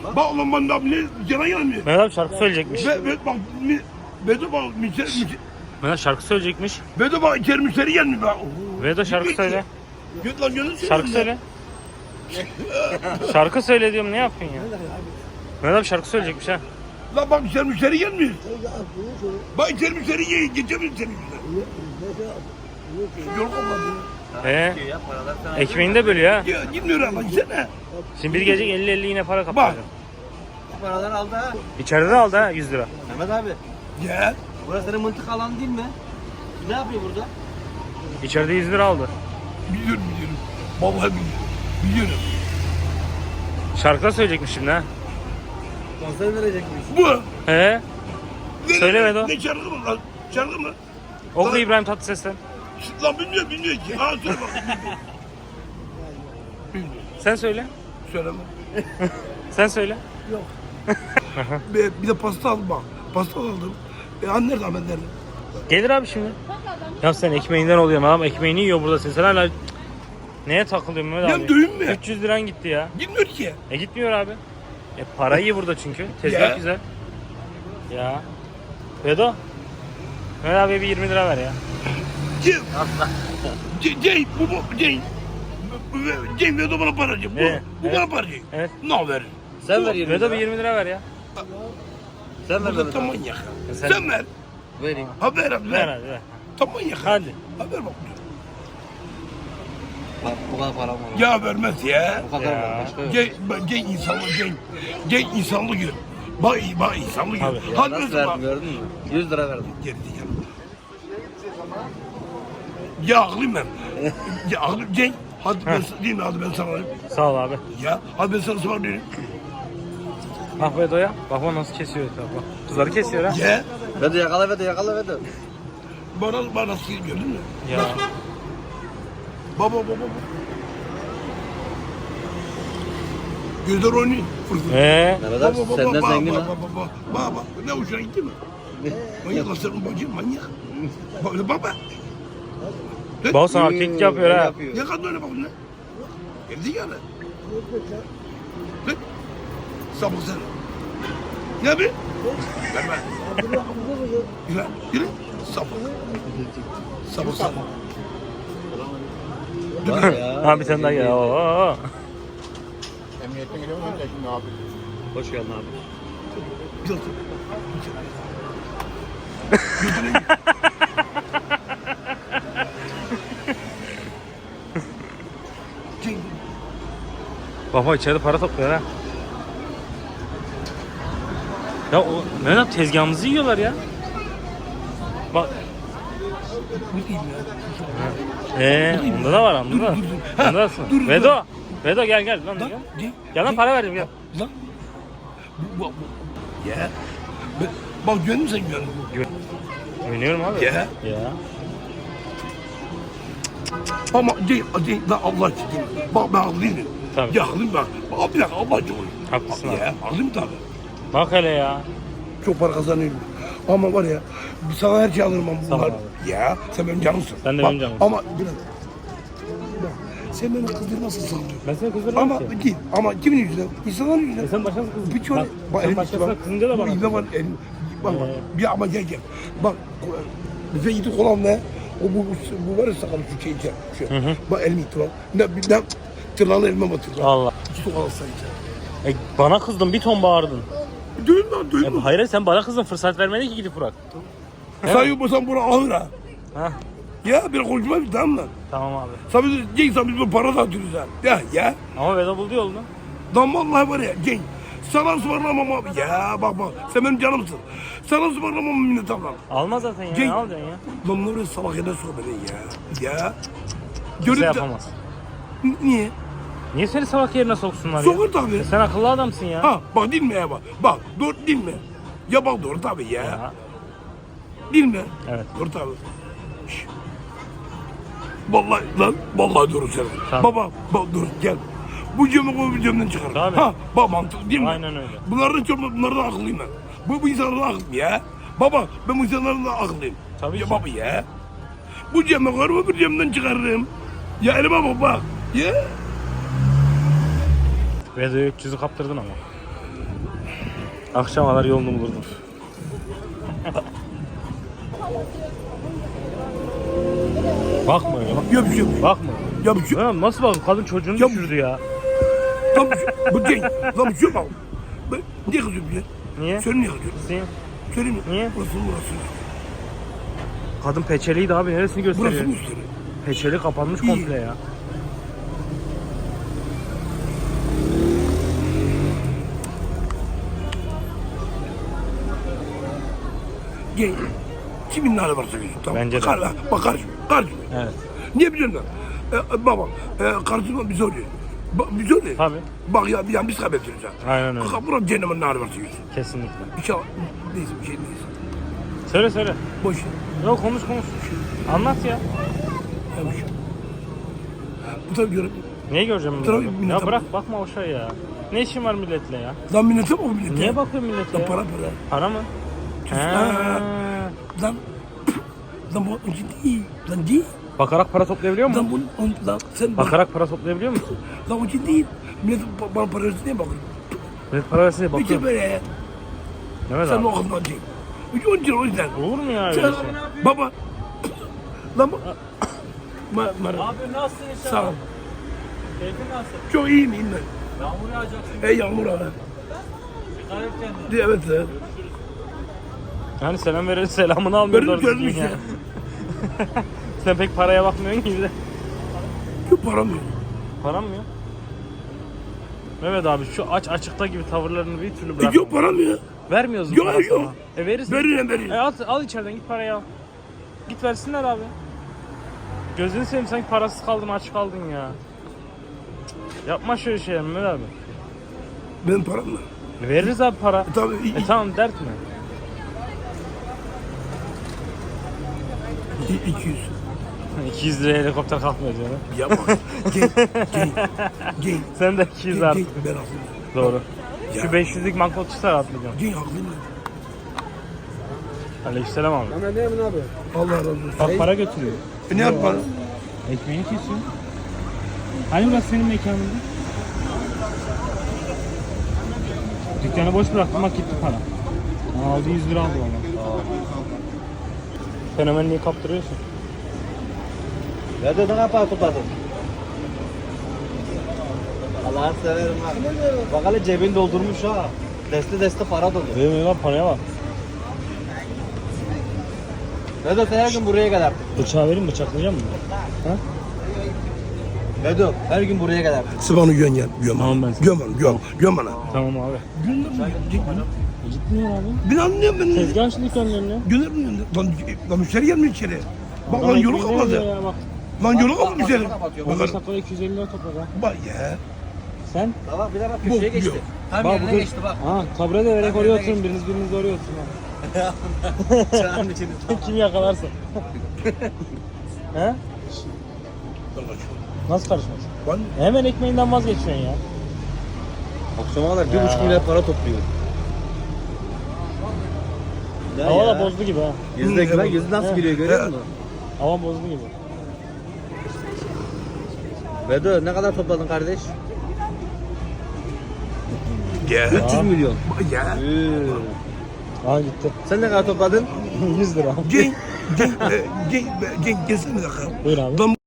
Bak ulan ben de ne yana gelmiyor. Mehmet abi şarkı söyleyecekmiş. Bak Vedo bak Mehmet şarkı söyleyecekmiş. Vedo bak içeri müşteri gelmiyor bak. Vedo şarkı söyle. Göt lan gönül Şarkı söyle. Şarkı söyle diyorum, ne yapıyorsun ya? Mehmet abi şarkı söyleyecekmiş ha. Lan bak içeri müşteri gelmiyor. Bak içeri müşteri geçemiyor içeri. Yol kapadı. Ekmeğini de bölüyor ha. Ya gitmiyor ama gitsene. Şimdi bir gece 50-50 yine para Bak. kapatacak. Paralar aldı ha. İçeride de aldı ha 100 lira. Mehmet abi. Ya. Burası senin mıntık alanı değil mi? Ne yapıyor burada? İçeride 100 lira aldı. Biliyorum. Vallahi biliyorum. Şarkı da söyleyecekmiş şimdi ha. Konser verecekmiş. Bu. He. Söyle Vedo. Ne şarkı mı lan? Şarkı mı? Oku İbrahim Tatlıses'ten. Lan bilmiyor ki. Ha söyle bak. Bilmiyor. Sen söyle. Söyleme. Sen söyle. Bir de pasta aldım bak. Pasta aldım. Anne nerede Ahmet nerede? Gelir abi şimdi. Ya sen ekmeğinden oluyorsun, adam ekmeğini yiyor burada, sen hala neye takılıyorsun Mehmet abi? Ya dövün mü? 300 liran gitti ya. Gitmiyor ki. Gitmiyor abi. Para iyi burada çünkü. Tezgah Ya. güzel. Ya. Vedo. Mehmet abi bir 20 lira ver ya. Cenk Vedo bana para verecek. Bu bana para verecek. Evet. Ne verir? Sen ver 20 Vedo bir 20 lira ver ya. Sen ver Bu Mehmet da abi. manyak. Sen- Sen ver. Vereyim. Ha ver hadi Ver ver. hadi ver. Tam manyak. Hadi. Ha ver bak. Bak bu kadar param var. Ya vermez ya. Bu kadar Ya. var. Başka yok. Cenk insanlık Cenk insanlık gör. Bak insanlık gör. Abi. Ya Hadi nasıl mesela bak. verdim gördün mü? 100 lira verdim. Geri gel. Ya aklım ben. Ya aklım Cenk. Hadi ben değil mi? Hadi ben sana alayım. Sağ ol abi. Ya hadi ben sana ısmarlayayım. Bak Vedo'ya. Bak o nasıl kesiyor bak. Kızları kesiyor ha. Ya. Vedo yakala Vedo yakala Vedo. Bana nasıl gördün mü? Ya. Baba. Gözler oynuyor. Mehmet abi senden zengin ha. Baba. Ne hoşuna gitti mi? Manyak lan senin bacın manyak. Baba. Bak sana kek yapıyor ha. Ya kadın öyle bak ne? Geldi yani. Ne? Sabık sen. Ne yapayım? Verme. Yürü. Sabık. Sabık sen. Ha bir tane daha gel. Oo. Emniyete gidiyor musun şimdi abi? Hoş geldin abi. Bir dakika. Götüne git. Baba içeride para topluyor ha. Ya o Mehmet abi tezgahımızı yiyorlar ya. Bak. Bu değil ya. Onda da var onda da. Ha, Onda da. dur. Vedo. Vedo gel lan. Lan, Gel. Gel lan para verdim gel. Lan. Bu. Ya. Bak gördün mü sen gördün? Güveniyorum abi. Ya. Ya. Ama değil lan Allah için değil. Bak ben haklıyım. Tabii. Ya haklıyım bak. Bak bir dakika Allah için. Haklısın abi. Ya haklıyım tabii. Bak hele ya. Çok para kazanıyorum. Ama var ya sana her şey alırım ama Sağ ol bunlar. abi. Ya sen benim canımsın. Sen de Bak, benim canımsın. Ama biraz. Bak sen beni kızdırmasın sanıyorsun. Ben seni kızdırmam Ama ki. değil. Ama kimin yüzünden? İnsanların yüzünden. Sen başkasına kızdın. Bir çöre. Bak, sen başkasına kızınca da bana. Bu var elim. Bak. Bir ama gel. Bak. Bize gittik olan ne? Bu var ya sakalı şu şey içer. Şu. Bak elimi itti bak. Ne tırnalı elime batırdı. Allah. İki sok alsa içer. Bana kızdın, bir ton bağırdın. Dövün lan. Hayır sen bana kızdın, fırsat vermedin ki gidip Burak. Sen yapmasan bunu alır ha. Ha. Ya bir konuşma bir tamam mı? Tamam abi. Sen biz bu para da atıyoruz ha. Ya. Ama Vedo buldu yolunu. Lan vallahi var ya Cenk. Sana ısmarlamam abi. Ya bak sen benim canımsın. Sana ısmarlamam minnet ablam. Alma zaten ya. Cenk. Ne alacaksın ya? Lan ne oraya salak yerine sor beni ya. Ya. Kimse yapamaz. Niye? Niye seni salak yerine soksunlar ya? Sokar tabii. Sen akıllı adamsın ya. Ha bak değil mi ya bak. Bak doğru değil mi? Ya bak doğru tabii ya. Ya. Değil mi? Evet. Doğru tabii. Şş. Vallahi lan vallahi doğru söylüyorsun. Tamam. Baba bak dur gel. Bu cömü bu cömden çıkar. Tabii. Ha bak mantıklı değil mi? Aynen öyle. Bunlardan akıllıyım ben. Bu insanlardan akıllıyım ya. Baba ben bu insanlardan akıllıyım. Tabii ya ki. baba ya. Bu cömü koyarım öbür cömden çıkarırım. Ya elime bak bak. Ya. Vedo'ya 300'ü kaptırdın ama. Akşama kadar yolunu bulurdum. Bakma öyle bak. Ya bir şey yok. Bakma. Ya bir şey yok. Ya nasıl bak kadın çocuğunu Ya- düşürdü ya. Lan bir şey bu değil. Lan bir şey yok. Ben niye kızıyorum ya? Niye? Söyle niye kızıyorum? Sen- Söyle mi? Niye? Burası Kadın peçeliydi abi neresini gösteriyor? Burası mı üstleri? Peçeli kapanmış İyi. komple ya. Gel. Kimin hali varsa gözüm. Tamam. Bence de. Bak karışma. Karışma. Evet. Niye biliyor musun? Baba, karşıma bir soruyor. Bir soruyor. Tabii. Bak ya biz kaybedeceğiz ha. Aynen öyle. Buranın cehennemin hali varsa gözüm. Kesinlikle. İnşallah. Neyse bir şey neyse. Söyle söyle. Boş ver. Yok konuş. Anlat ya. Ya bir şey. Bu tabii görüp. Neyi göreceğim Tabii, ben? millete Ya bırak bakma o şey ya. Ne işin var milletle ya? Lan millete mi o millete? Niye bakıyorsun millete Lan ya? para. Para mı? Ha. Lan. Lan bu önce değil. Lan değil. Bakarak para toplayabiliyor musun? Lan bunu lan sen bak. Bakarak para toplayabiliyor musun? Lan önce değil. Millet bana para versin diye bakıyor. Millet para versin diye Bir bakıyor. de böyle. Mehmet Sen abi. o kadar değil. Önce o yüzden. Olur mu ya öyle Sen, şey? baba. Lan bu. Merhaba. Abi nasılsın inşallah? Sağ ol. Keyfin nasıl? Çok iyiyim ben. Yağmur yağacaksın. Yağmur abi. Dikkat et kendine. Evet. Yani selam verir selamını almıyor Benim doğru düzgün görmüş ya. Sen pek paraya bakmıyorsun gibi de. Yok param yok. Param mı yok? Mehmet abi şu açıkta gibi tavırlarını bir türlü bırak. Yok param yok. Vermiyoruz Yok, parası yok. ama. Verirsin. Veririm. Al içeriden git parayı al. Git versinler abi. Gözünü seveyim sanki parasız kaldın aç kaldın ya. Cık, yapma şöyle şey Mehmet abi. Benim param var. Veririz abi para. Tabii. Tamam dert mi? 200. 200 liraya helikopter kalkmıyor canım. Yapma. Gel. Sen de 200 artık. Ben haklıyım. Doğru. Ya. Şu 500'lük banknot çıksa rahatlayacağım. Gel haklıyım. Aleykümselam abi. Hemen değil mi abi? Allah razı olsun. Bak para götürüyor. Ne yapalım? Ekmeğini kesiyor. Hani burası senin mekanın? Dükkanı boş bıraktım bak gitti para. Aldı 100 lira aldı valla. Fenomenliği kaptırıyorsun. Nerede ne kadar topladın? Allah'ını severim ha. Bak hele cebini doldurmuş ha. Deste para dolu. Değil mi lan paraya bak. Vedat her gün buraya gelir. Bıçağı vereyim bıçaklayacağım mı? Ha? Vedat her gün buraya gelir. Sıvanı göm gel. Göm. Tamam ben. Göm bana. Tamam abi. Gitmiyor abi. Ben anlıyorum ben. Tezgah açtık önlerine. Gönder mi? Lan müşteri gelmiyor içeri. Bak lan yolu kapadı. Ya, bak. Lan yolu kapadı müşteri. 15 dakikada 250 lira topladı ha. Bak ya. Sen? Bak bir de bak Bu, köşeye geçti. yok. Tam Bak, yerine bu- geçti bak. Ha tabre de vererek oraya oturun biriniz oraya oturun. Çağın içinde. Kim yakalarsa. He? Nasıl karışmaz? Lan Hemen ekmeğinden vazgeçiyorsun ya. Akşama kadar 1,5 milyar para topluyor. Hava da bozdu gibi ha. Yüzdeki lan yüzü nasıl He. gülüyor görüyor musun? Hava bozdu gibi. Vedat ne kadar topladın kardeş? ya. 300 milyon. Bak ya. Aa gitti. Sen ne kadar topladın? 100 lira. Gel. Gelsene bir dakika. Buyur abi. Lan